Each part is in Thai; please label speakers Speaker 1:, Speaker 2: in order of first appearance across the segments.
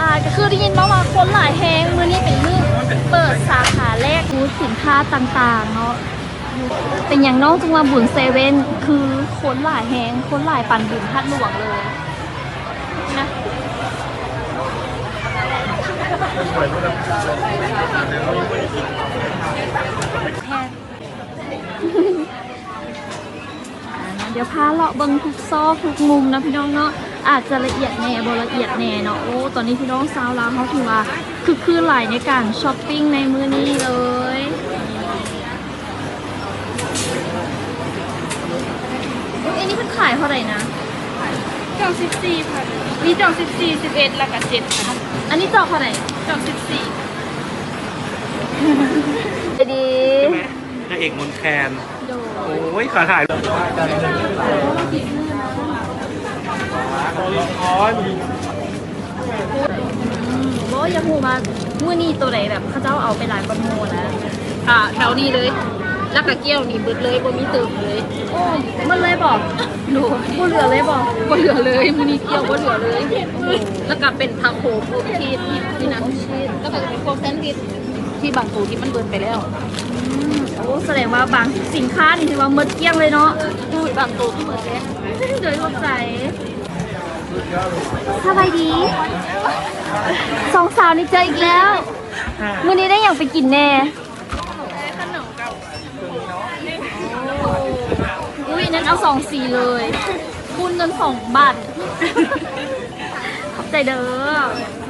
Speaker 1: าก็คือได้ยินมาว่าคนหลายแฮงมื้อนี้เป็นมื้อเปิดสาขาแรกบูธสินค้าต่างๆเนาะเป็นอย่างน้องจังหวัดบุญเซเว่นคือคนหลายแฮงคนหลายปั่นบุญพัดหลวงเลยนะเดี๋ยวพาเลาะเบิ่งทุกซอกทุกมุมนะพี่น้องเนาะอาจจะละเอียดแน่บ่ละเอียดแน่เนาะโอ้ตอนนี้พี่น้องสาวลาวเขาถือว่าคือหลายในการช้อปปิ้งในมื้อนี้เลยอันนี้มันขายเท่าไหร่นะ
Speaker 2: จอก14ค่ะมีจอก14 11แล้วก็7ค่ะ
Speaker 1: อันนี้จอกเท่าไหร่
Speaker 2: จอก14
Speaker 1: ดี
Speaker 3: นางเอกมนแคน
Speaker 1: โด
Speaker 3: โอ้ยขาถ่ายเลย
Speaker 1: โอ้ยยังหูมามื้อนี้ตัวไหนแบบเขาเจ้าเอาไปหลายประโมนะ
Speaker 2: แถวนี้เลยแล้วก็เกี้ยวนี่เบิดเลยบ่มีเติมเลย
Speaker 1: โอ้มันเลยบอก
Speaker 2: โด
Speaker 1: บ่เหลือเลยบอก
Speaker 2: บ่เหลือเลยมื้อนี้เกี้ยวบ่เหลือเลยแล้วก็เป็นทาโคพวกชีสนี่นะแล้วก็เป็นพวกแซนด์วิชที่บางตัวที่มันเบิดไปแล้ว
Speaker 1: โอ้แสดงว่าบางสินค้านี่ถือว่าหมดเกลี้ยงเลยเนาะ
Speaker 2: ดูบางตัวที่เบิดแล้ว
Speaker 1: โดยรวมใจสบายดีสองสาวนี่เจออีกแล้วมื้อนี้ได้อย่างไปกินแน่
Speaker 2: ขนมกับ
Speaker 1: อุ้ยนั้นเอา2 สีเลยคูณเงิน2 บาทขอบใจเด้อ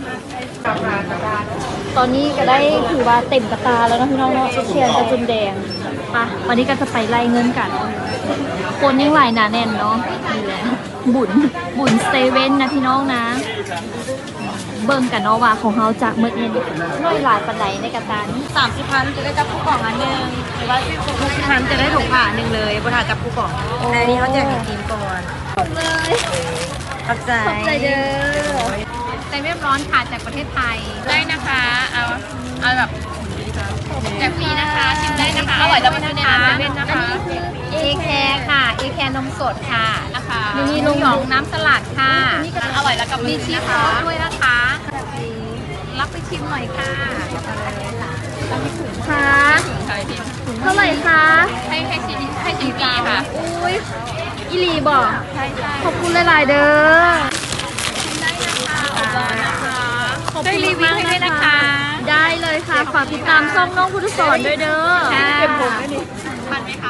Speaker 1: ตอนนี้ก็ได้ถือว่าเต็มกระตาแล้วนะพี่น้องเนาะเชียร์กระจุนแดงปะวันนี้ก็จะไปไล่เงินกันคนยังหลายหนาแน่นเนาะนี่แหละบุญเซเว่นนะพี่น้องนะเบิ่งกันเนาะว่าของเขาจากเมื่อเย็นน้อยหลายปันไหนในกระตานี้
Speaker 2: 30,000จะได้จับผู้กล่องอันนึงหรือว่า60,000จะได้ถุงผ้านึงเลยบ่ถ้าจับผู้กล่องอันนี้เขาแจกให้ทีมก่อน
Speaker 1: เลย
Speaker 2: ขอบใจ
Speaker 1: ขอบใจเด้อ
Speaker 2: ใจเรียบร้อนค่ะจากประเทศไทยได้นะคะเอาแบบแจกฟรีนะคะชิมได้นะคะอร่อยแล้วมันอยู่ในร้านเซเว่นนะคะเอแคร์ค่ะเอแคร์นมสดค่ะนะคะมีนมหยองน้ำสลัดค่ะอร่อยแล้วกับมีชีสซอสด้วยนะคะรับไปชิมหน่อยค่ะ
Speaker 1: ค่ะเท่าไหร่คะ
Speaker 2: ให้ชิมฟรีค่ะ
Speaker 1: อุ้ยอีหลีบอก
Speaker 2: ใช่ใช่
Speaker 1: ขอบคุณหลายๆเด้อ
Speaker 2: ได้รีวิวให้ด้วยนะคะ
Speaker 1: ได้เลยค่ะฝากติดตามช่องน้องพุทธสอนด้วยเด้อ
Speaker 2: ค่ะทันไหมคะ